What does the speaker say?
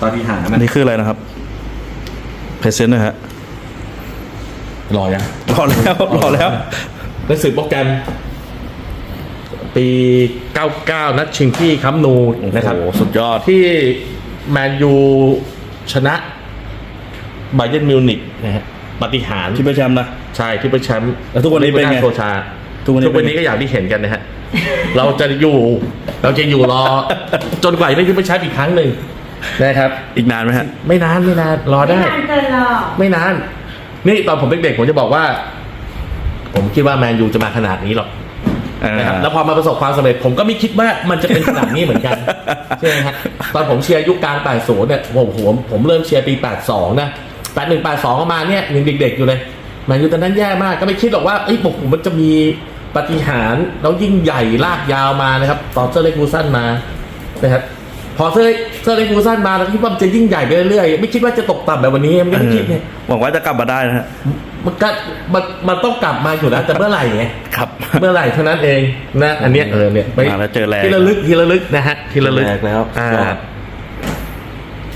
ปาฏิหาริย์อันะนนี้คืออะไรนะครับเพรสเซนต์นะฮะรอยังรอแล้วหนังสือโปรแกรมปี 99 นัดชิงที่คัมป์นูนะครับโอ้โหสุดยอดที่แมนยูชนะไบเยิร์นมิวนิกนะฮะปาฏิหาริย์ที่เป็นแชมป์นะใช่ที่เป็นแชมป์แล้วทุกวันนี้เป็นไงโซชาทุกวันนี้ทุกวันนี้ก็อย่างที่เห็นกันนะฮะ เราจะอยู่รอ จนกว่าจะได้ขึ้นไปแชมป์อีกครั้งหนึ่งนะครับอีกนานไหมฮะไม่นานรอไม่ได้นานเกินหรอกไม่นาน นี่ตอนผมเด็กๆผมจะบอกว่า ผมคิดว่าแมนยูจะมาขนาดนี้หรอกนะครับแล้วพอมาประสบความสำเร็จผมก็ไม่คิดว่ามันจะเป็นขนาดนี้เหมือนกัน ใช่ไหมฮะตอนผมเชียร์ยุคกลาง 80 เนี่ยผมเริ่มเชียร์ปี 82 นะ 81 82ประมาณเนี่ยยังเด็กๆอยู่เลยแมนยูตอนนั้นแย่มากก็ไม่คิดหรอกว่าผมมันจะมีปาฏิหาริย์แล้วยิ่งใหญ่ลากยาวมานะครับตอนเซอร์เล็กฟูซันมานะครับพอเซอร์เล็กฟูซันมาแล้วคิดว่ามันจะยิ่งใหญ่ไปเรื่อยๆไม่คิดว่าจะตกต่ำแบบวันนี้มันก็ไม่คิดเนี่ยหวังว่าจะกลับมาได้นะฮะมันต้องกลับมาอยู่แล้วแต่เมื่อไหร่ไงครับเมื่อไหร่เท่านั้นเองนะอันเนี้ยเนี่ยมาแล้วเจอแรงทีละลึกนะฮะทีละลึกแรงแล้วอ่ายอด